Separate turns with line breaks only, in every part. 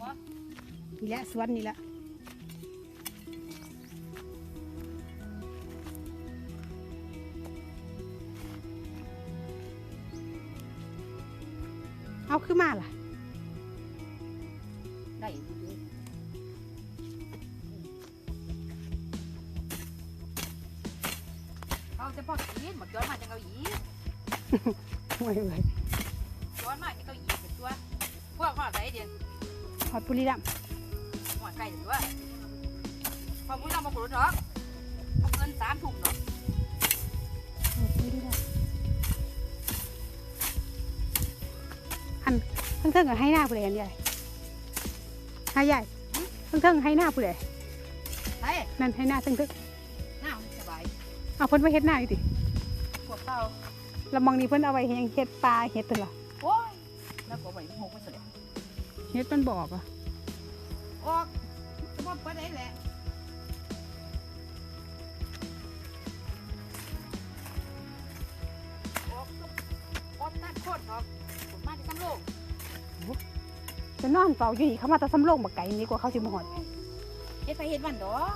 นี่แหละสวนนี่แหละเอาขึ้นมาล่ะ
ได้เขาจะพอกินหมดย้อนมาจะเอาอีก
ห่วยเลย
ย้อนมาจะเอาอีกเป็นตัวพวกห่อใส่เดียว
หอดปุรีรัมย์
ห่อไก่ตัวพอมุ้ยเรามาปลูกเนาะเอาเงิน3 ถุงเนาะ
หอดปุรีรัมย์อันทั้งเทิงกับให้หน้าผู้ใดอันใหญ่ให้ใหญ่ทั้งเทิงให้หน้าผู้ใด
ใช่
นั่นให้หน้าทั้งเทิง
หน้าสบาย
เอาเพิ่นไว้เฮ็ดหน้าอยู่ติ
พวกเต่า
แล้วมองนี้เพิ่นเอาไว้เฮ็ดปลาเฮ็ดตัวละ
โอ้ยแล้วก็ไปหกไปเสร็จ
เฮ็ดมันบอกอ่ะ
ออกจะมาไปได้แหละออกตัดโคตรออกผมมาที่กำโลก
จะนอนเฝ้าอยู่นี่เขามาแตะสำโรงบักไก่นี่กว่าเขาสิมาหอด
เฮ็ดไปเฮ็ดวันดอก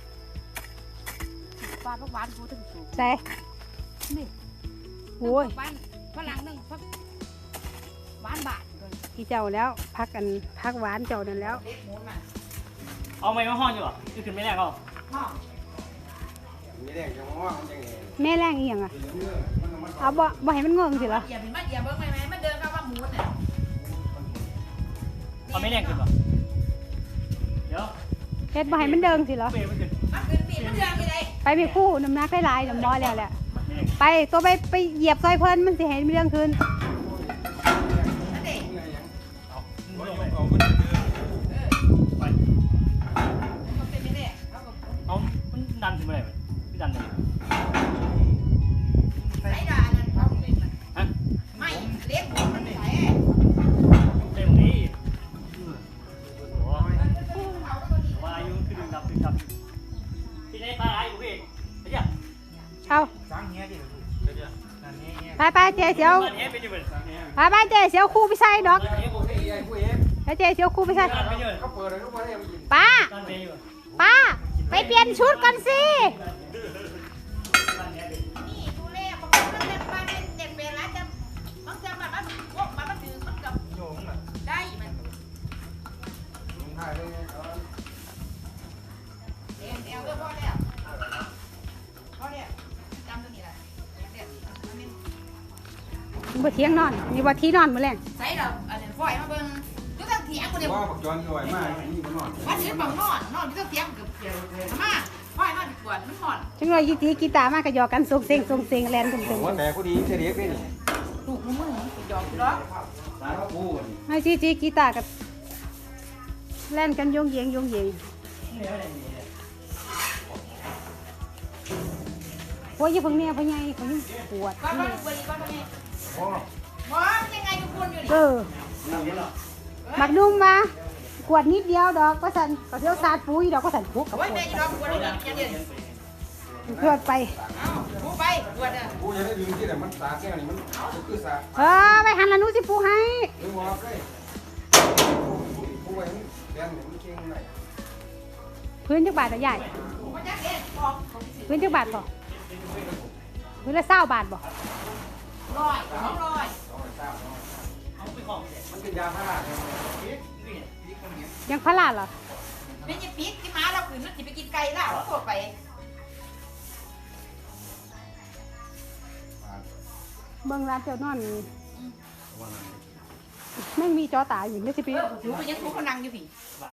ปลาพักหวานกูถึงสูง
แต่
นี่
โอ้ย
หวานฝรั่งนึงพักหวานบาทเลย
พี่เจ้าแล้วพักกันพักหวานเจ้านั่นแล้ว
เล็กหมูนมา
เอาไม้มาห้องอยู่หรอนี่คือไม่แรกเอา
ห้อง
ไม่ได้จังว่ามันจังไง
แม่แรงอีหยังอ่ะ
เนื้อมัน
เอาบ่ให้มันงงสิเหรอ
อย่าเป็นมาอย่าเบิ่งไหมมันเดินเข้าว่าหมูน่ะ
เอาไม่แรกขึ้นหรอเดี๋ยว
เฮ็ดบ่ให้มันเดิงสิเหรอ
เปย์มันขึ้น
มันขึ้นปีมันเดินไปเลย
ไปไปคู่น้ำหนักได้หลายน้ำน้อยแล้วแหละไปตัวไปเหยียบซอยเพิ่นมันสิให้มันเรื่องคืน
นั่นเอง
เอามึงลงไป
เอามันเนื้อ
ไป
มันเป็นไม่ได้เขาก็
เอามันดันขึ้นไปไหนพี่ดันเลย
ใส่ดานั่นเขาเป็นมัน
ฮะ
ไม่เล็กหมูมันใส่
เต็มนี้โอ้วายุขึ้นดับพี่ได้ปลาอะไรกูพี่ไอ้เจ้า
เอา
สร้างเงี้ยดิเดี๋ยวนั่นนี่เงี้ย
ไปเจ๊เสียว
เอ๊ะไปอยู่บน
ไปเจ๊เสียวคู่ไปใส่ดอก
เอ๊ะกูเอ๊ะ
กูเอฟ
แล้วเจ๊เสียวคู่ไปใส่
ไปอยู่
เขาเปิดเลยเขาเปิดให้มันกิน
ป้า
ดันไปอยู่
ป้าไปเปลี่ยนชุดก่อนสิ
นี่ดูแลบางคนมันเป็นบ้านเด็กเวลาจะบางทีมันพวกมันถือมันกับ
โยงน่ะ
ได้มัน
ลงท้ายเลย
เอวเรื่องพ่อแล้วพ่อเนี่ยจำตรงนี้แหละเด็กมันเป็น
นี่บ่เที่ยงนอนนี่บ่ที่นอนมื้อแรง
ใส่เราอันนี้ฝอยมาเบิ่งยุตั้งเถียงกูเนี่ย
ว่าปักจอนอร่อยมากนี่มันนอน
ว่าซื้อบังนอนยุตั้งเถียงเกือบเกี่ยวเลยมาฝอยนอนปวดมันนอน
จังเลยยีตีกีตาร์มาก็หยอกกันส่งเสียงแลนตึม
ว่าแต่กูดีเฉลี่ยไปนี่
ลูกมึงหยอกกูเนาะ
สารพัดกูนี่
ๆให้จีกีตาร์กับแล่นกันโยงเยงโอ้ยอย่าเพิ่งแน่พ่อใหญ่เขายังปวด
ก้อนก้อนบริก้อนนี้
โอ้
หมอมันยังไงทุกคนอยู่
เอ
นี่
อบักนุ่มมากวดนิดเดียวดอกก็สั่นก็เที่ยวสาดปุ๋ยดอกก็สั่นปุ๊กกับ
โอ้ย
ปว
แม่
ด
จะรอกูได้ยังเย็น
เพื่อไป
เอ้ากูไปปวดอ่ะ
กูจะได้ลืมที่ไหนมันสาแก้วนี่มันคือสา
ไปหันละหนูสิปูให้
หรือว่าใกล้กูไว้เรียนมันเก่งหน่อย
พื้นจักบาทต่อใหญ่
มันจะเอ็ดออก
พื้นจักบาทบ่พื้นละ20 บาทบ่
100 200
เอาไปของ
มันเป็นยาพาราเนี่ย
ยังพลาดเหรอ
แม่จะปิดที่ม้าเราขืนมันจะไปกินไก่แล้วโคตรไป
เบิ่งร้านเจ้านอนแม่งมีจอตาอยู่ไม่สิปี
ถูไปยังถูเขานั่งอยู่พี่